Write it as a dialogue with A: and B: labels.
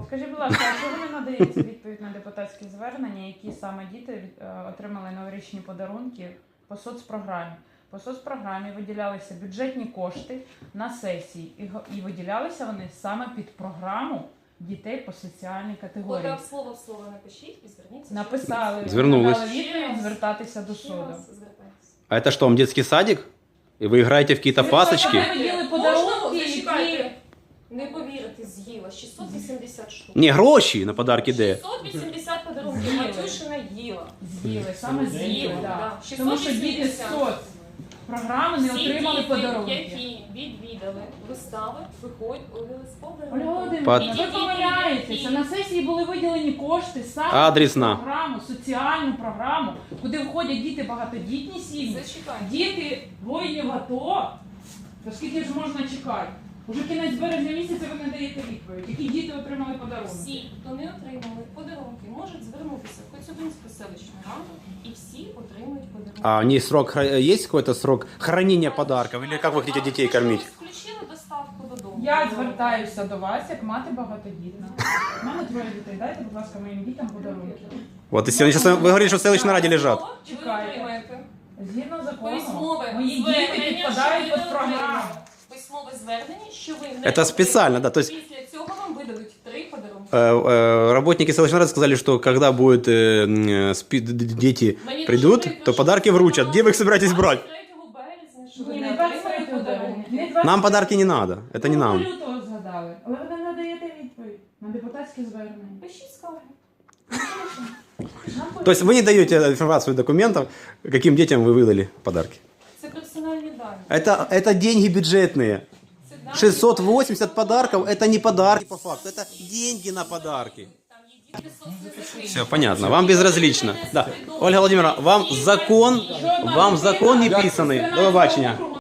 A: Скажіть, будь ласка, а чому не надається відповідь на депутатські звернення, які саме діти отримали новорічні подарунки по соцпрограмі? По соцпрограмі виділялися бюджетні кошти на сесії, і виділялися вони саме під програму дітей по соціальній категорії.
B: От слово в слово напишіть і зверніться.
A: Написали,
C: Звернулись.
A: надали відповідь звертатися до суду.
C: А это что, вам детский садик? И вы играете в какие-то пасочки?
A: Ми виділи подарунки, які...
B: Зачекайте. Не повірите, з'їла. 680 штук.
C: Не, гроші на подарки де?
B: 680 подарунків. Матюшина їла.
A: З'їли, саме з'їли,
B: З'їли,
A: так.
B: да.
A: Тому що діти з
B: 680.
A: соцпрограми не
B: Всі
A: отримали
B: діти,
A: подарунки.
B: які відвідали вистави, виходять у
A: Ольга
B: подарунки.
A: Володимирівна, ви
B: Які?
A: помиляєтеся. На сесії були виділені кошти саме
C: Адресна.
A: на програму, соціальну програму, куди входять діти багатодітні сім'ї,
B: Зачекайте.
A: діти воїнів АТО. То скільки ж можна чекати? Уже кінець березня місяця ви не даєте відповідь. Які діти отримали подарунки?
B: Всі, хто не отримали подарунки, можуть звернутися в Коцюбинську селищну раду і всі отримують подарунки.
C: А у них срок, есть какой-то срок хранения подарков? Или как вы хотите детей кормить?
B: Ви включили доставку додому.
A: Я звертаюся до вас, як мати багатодітна. У мене троє дітей. Дайте, будь ласка, моїм дітям подарунки.
C: Вот, если они сейчас, вы говорите, что в селищной раде лежат.
B: Чи ви
A: Чекайте.
B: отримаєте
A: Згідно закону,
B: Письмове
A: мої діти
B: звернення,
A: підпадають
B: що ви
A: під
B: не
A: програму.
B: отримали. Письмове звернення, що ви не
C: Это специально,
B: отримали.
C: да, то есть-
B: Після цього вам видадуть 3 подарунки.
C: Работники селищной рады сказали, что когда будут дети
B: Мені
C: придут,
B: дуже
C: то
B: прикро,
C: подарки
B: що
C: вручат. Где вы их собираетесь брать?
B: 23 березня, що ви
A: Ні,
B: не
A: не
B: отримали
A: 23
B: подарунки.
A: березня, не 23.
C: Нам подарки не надо. Это не нам.
A: Лютого згадали. Але ви не надаєте відповідь на депутатські звернення.
B: Пишіть скарги.
C: То есть вы не даете информацию документов, каким детям вы выдали подарки.
B: Це персональні дані.
C: Это деньги бюджетные.
B: Це дані.
C: 680 подарков это не подарки по факту, это деньги на подарки.
B: Там є діти соцмережі.
C: Все понятно, вам безразлично. Да. Ольга Владимировна, вам закон не писаний. До побачення.